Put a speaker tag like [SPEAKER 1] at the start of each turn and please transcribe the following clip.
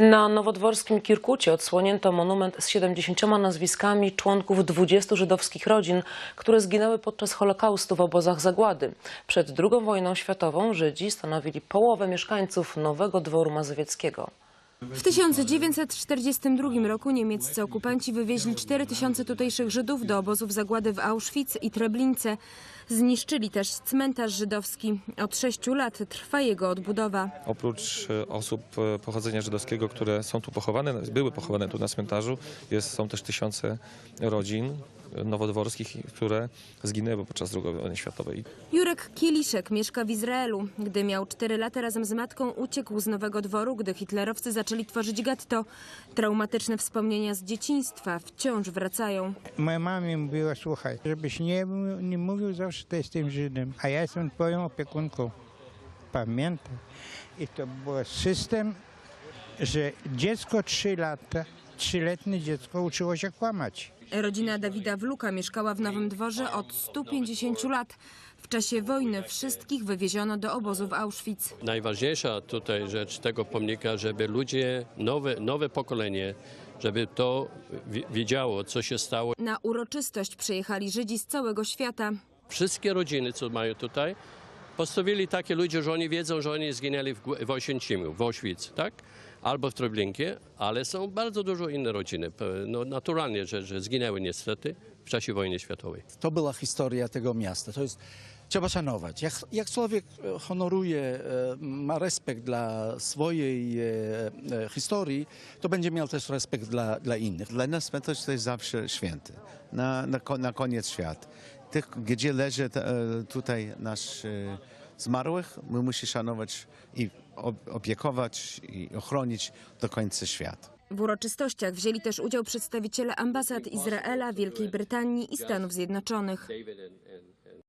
[SPEAKER 1] Na nowodworskim Kirkucie odsłonięto monument z 70 nazwiskami członków 20 żydowskich rodzin, które zginęły podczas Holokaustu w obozach zagłady. Przed II wojną światową Żydzi stanowili połowę mieszkańców Nowego Dworu Mazowieckiego.
[SPEAKER 2] W 1942 roku niemieccy okupanci wywieźli 4000 tutejszych Żydów do obozów zagłady w Auschwitz i Treblince. Zniszczyli też cmentarz żydowski. Od 6 lat trwa jego odbudowa.
[SPEAKER 3] Oprócz osób pochodzenia żydowskiego, które są tu pochowane, były pochowane tu na cmentarzu, są też tysiące rodzin nowodworskich, które zginęły podczas II wojny światowej.
[SPEAKER 2] Jurek Kieliszek mieszka w Izraelu. Gdy miał 4 lata, razem z matką uciekł z Nowego Dworu, gdy hitlerowcy zaczęli tworzyć getto. Traumatyczne wspomnienia z dzieciństwa wciąż wracają.
[SPEAKER 4] Moja mama mi mówiła, słuchaj, żebyś nie mówił zawsze, że jestem Żydem, a ja jestem twoją opiekunką. Pamiętaj. I to był system, że dziecko 3-letnie dziecko uczyło się kłamać.
[SPEAKER 2] Rodzina Dawida Wluka mieszkała w Nowym Dworze od 150 lat. W czasie wojny wszystkich wywieziono do obozu w Auschwitz.
[SPEAKER 5] Najważniejsza tutaj rzecz tego pomnika, żeby ludzie, nowe pokolenie, żeby to wiedziało, co się stało.
[SPEAKER 2] Na uroczystość przyjechali Żydzi z całego świata.
[SPEAKER 5] Wszystkie rodziny, co mają tutaj, postawili takie ludzie, że oni wiedzą, że oni zginęli w Oświęcimiu, w Auschwitz, tak? Albo w Treblince, ale są bardzo dużo inne rodziny. No, naturalnie, że zginęły niestety w czasie wojny światowej.
[SPEAKER 6] To była historia tego miasta. To jest, trzeba szanować. Jak człowiek honoruje, ma respekt dla swojej historii, to będzie miał też respekt dla innych.
[SPEAKER 7] Dla nas cmentarz to jest zawsze święty, na koniec świata. Tych, gdzie leży tutaj nasz zmarłych, my musimy szanować i opiekować i ochronić do końca świata.
[SPEAKER 2] W uroczystościach wzięli też udział przedstawiciele ambasad Izraela, Wielkiej Brytanii i Stanów Zjednoczonych.